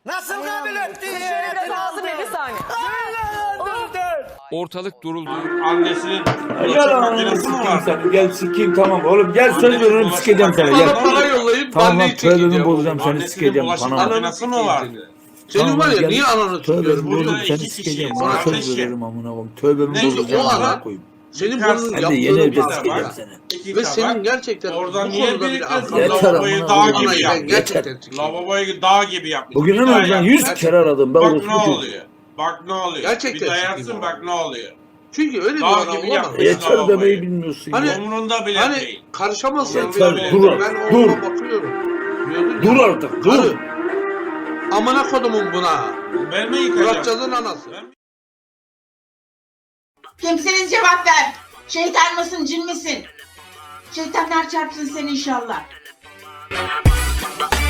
Nasıl kabul etti? Şöyle biraz alsın bir saniye. Ortalık duruldu. Annesinin Yalan sikeyim seni. Gel sikeyim tamam oğlum. Gel söz veriyorum sikeceğim seni. Bana Gel. para yollayıp Tamam ben lan neyi tövbemi çekeceğim? bozacağım seni Annesinin sikeceğim. bulaşık Bana bak. makinesi mi var? Senin Tamam, var ya gel. niye ananı Tövbemi tutuyorum? Burada bozacağım seni iki sikeceğim. kişiyiz. Bana söz Kardeşim. veririm amına koyayım. Tövbemi Neyse, bozacağım o amına ara- koyayım. Senin Sen bunun Sen de yaptığını yeni evde bak sikeceğim ya. seni. İki Ve tabak. senin gerçekten Oradan bu niye konuda bir bir kız aklın Yeter lavaboyu amına dağ koyayım. gibi ben yapmış? gerçekten sikeyim. Lavaboyu dağ gibi yapmış. Bugün Bir en daha azından yap. 100 kere aradım. Ben Bak orospu ne çocuğum. oluyor? Bak ne oluyor? Gerçekten Bir dayatsın sikeyim bak abi. ne oluyor? Çünkü öyle bir Dağ adam gibi olamaz. yapmış. Yeter Lavaboyu. demeyi bilmiyorsun Hani- ya. Umurunda bile Hani değil. karışamazsın. Yeter, bile. dur, Ben dur. oğluma bakıyorum. Diyordun Dur ya, artık dur. karı, amına kodumun buna. Ben mi yıkacağım? Muratcan'ın anası. Kimsiniz cevap ver. Şeytan mısın cin misin? Şeytanlar çarpsın seni inşallah.